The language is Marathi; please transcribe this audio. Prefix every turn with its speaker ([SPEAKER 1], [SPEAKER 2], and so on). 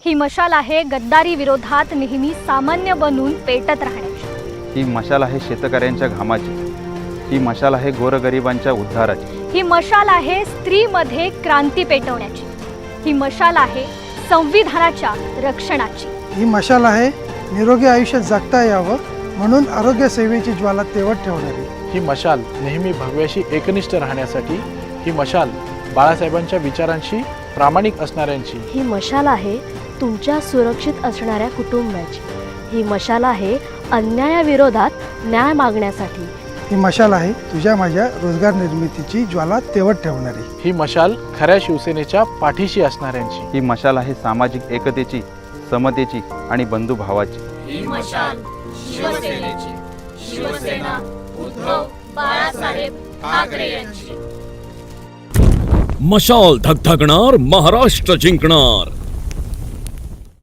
[SPEAKER 1] ही मशाल आहे गद्दारी विरोधात नेहमी सामान्य बनून पेटत राहण्याची।
[SPEAKER 2] ही मशाल आहे शेतकऱ्यांच्या घामाची। ही मशाल आहे गोरगरिबांच्या उद्धाराची।
[SPEAKER 1] ही मशाल आहे स्त्रीमध्ये क्रांती पेटवण्याची। ही मशाल आहे संविधानाच्या रक्षणाची।
[SPEAKER 3] ही मशाल आहे निरोगी आयुष्य जगता यावं म्हणून आरोग्य सेवेची ज्वाला तेवत ठेवणारी।
[SPEAKER 4] ही मशाल नेहमी भगव्याशी एकनिष्ठ राहण्यासाठी। ही मशाल बाळासाहेबांच्या विचारांशी प्रामाणिक असणाऱ्यांची।
[SPEAKER 5] ही मशाल आहे तुमच्या सुरक्षित असणाऱ्या कुटुंबाची। ही मशाल आहे अन्यायाविरोधात न्याय मागण्यासाठी।
[SPEAKER 3] ही मशाल आहे तुझ्या माझ्या रोजगार निर्मितीची ज्वाला तेवत ठेवणारी।
[SPEAKER 4] ही मशाल खऱ्या शिवसेनेच्या पाठीशी असणाऱ्यांची।
[SPEAKER 2] ही मशाल आहे सामाजिक एकतेची, समतेची आणि बंधुभावाची।
[SPEAKER 6] ही मशाल शिवसेनेची, शिवसेना उद्धव बाळासाहेब ठाकरे यांची।
[SPEAKER 7] मशाल धगधगणार, महाराष्ट्र जिंकणार।